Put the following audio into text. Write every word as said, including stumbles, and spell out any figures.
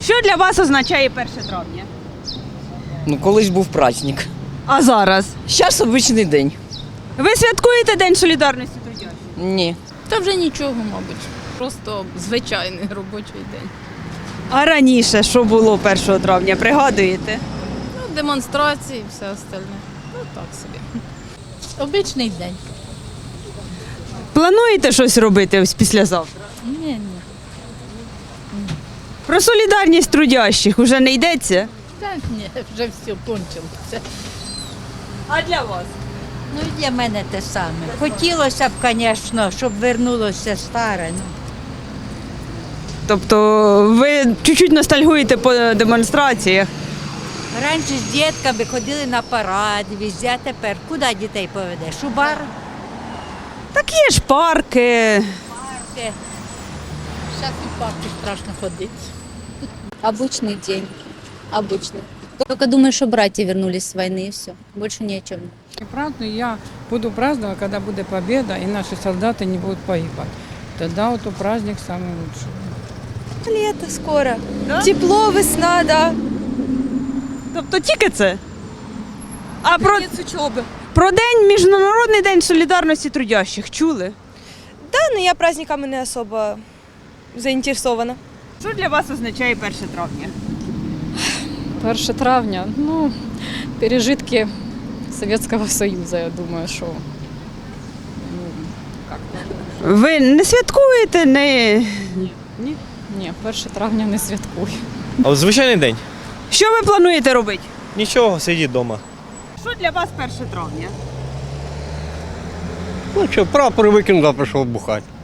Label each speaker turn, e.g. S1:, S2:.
S1: Що для вас означає перше травня?
S2: Ну, колись був праздник.
S1: А зараз?
S2: Зараз обичний день.
S1: Ви святкуєте День солідарності трудящих?
S2: Ні.
S3: Та вже нічого, мабуть. Просто звичайний робочий день.
S1: А раніше що було першого травня, пригадуєте?
S3: Ну, демонстрації, все остальне. Ну так собі.
S4: Обичний день.
S1: Плануєте щось робити ось післязавтра?
S4: Ні, ні.
S1: Про солідарність трудящих уже не йдеться?
S4: Так, ні, вже все кончилося.
S1: А для вас?
S5: Ну, і для мене те саме. Хотілося б, звісно, щоб вернулося старе. Ну.
S1: Тобто ви чуть-чуть ностальгуєте по демонстраціях?
S5: Раніше з дітками ходили на парад, везде, а тепер куди дітей поведеш? У бар?
S1: Так є ж парки.
S5: Парки.
S4: Зараз у парку страшно ходити.
S6: Обычный день. Обычный. Только думаю, что братья вернулись с войны и все. Больше ни о чем.
S7: И праздную я буду праздновать, когда будет победа и наши солдаты не будут погибать. Тогда вот у праздник самый лучший.
S8: Лето скоро.
S1: Да?
S8: Тепло, весна, да.
S1: Тобто тільки це? А про,
S8: Конец учебы.
S1: про день, Міжнародний день солідарності трудящих чули?
S8: Да, но я праздниками не особо заинтересована.
S1: Що для вас означає перше травня?
S9: перше травня, ну, пережитки Советского Союза, я думаю, що.
S1: Ви не святкуєте, не...
S9: Ні, перше травня не святкую.
S10: А от звичайний день.
S1: Що ви плануєте робити?
S10: Нічого, сидіть вдома.
S1: Що для вас перше травня?
S11: Ну що, прапор викинув, а пішов бухати.